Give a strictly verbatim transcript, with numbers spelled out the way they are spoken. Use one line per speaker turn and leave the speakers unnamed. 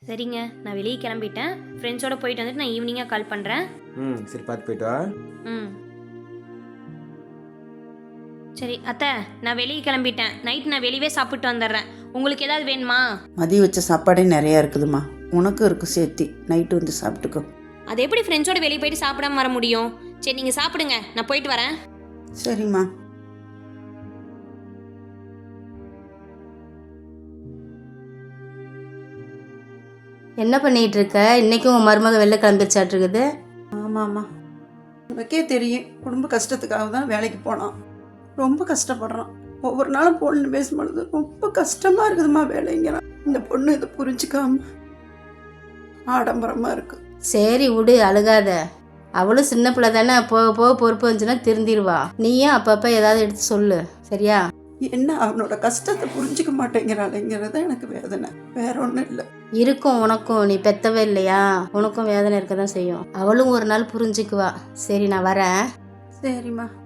சரிங்க, நான் வெளியே கிளம்பிட்டேன். ஃப்ரெண்ட்ஸோட போயிட்டு வந்துட்டு நான் ஈவினிங்காக கால் பண்ணுறேன்.
ம் சரி, பார்த்து போயிட்டு வா.
ம் சரி அத்தை, நான் வெளியே கிளம்பிட்டேன். நைட் நான் வெளியவே சாப்பிட்டு வந்துடுறேன். உங்களுக்கு ஏதாவது வேணுமா?
மதியம் வச்ச சாப்பாடே நிறையா இருக்குதுமா, உனக்கும் இருக்கு சேர்த்தி. நைட்டு வந்து சாப்பிட்டுக்கோ.
அது எப்படி ஃப்ரெண்ட்ஸோட வெளியே போயிட்டு சாப்பிடாம வர முடியும்? சரி நீங்கள் சாப்பிடுங்க, நான் போயிட்டு வரேன்.
சரிம்மா.
என்ன பண்ணிட்டு இருக்க? இன்னைக்கும் உன் மருமக வெளில கிளம்பிச்சாட்டு இருக்குது.
ஆமாம்மா, உனக்கே தெரியும், குடும்ப கஷ்டத்துக்காக தான் வேலைக்கு போனான். ரொம்ப கஷ்டப்படுறான். ஒவ்வொரு நாளும் பொண்ணு பேசும்பொழுது ரொம்ப கஷ்டமாக இருக்குதுமா வேலைங்கிறான். இந்த பொண்ணு இதை புரிஞ்சுக்காம ஆடம்பரமாக இருக்கு.
சரி விடு, அழுகாத. அவளும் சின்ன பிள்ளை தானே, போக போக பொறுப்பு வந்துச்சுன்னா திருந்திடுவா. நீயும் அப்பப்போ ஏதாவது எடுத்து சொல்லு, சரியா?
என்ன அவனோட கஷ்டத்தை புரிஞ்சுக்க மாட்டேங்கிறாளுங்கிறது எனக்கு வேதனை, வேற ஒன்றும் இல்லை.
இருக்கும் உனக்கும், நீ பெத்தவே இல்லையா, உனக்கும் வேதனை இருக்க தான் செய்யும். அவளும் ஒரு நாள் புரிஞ்சுக்குவா. சரி நான் வரேன்.
சரிம்மா.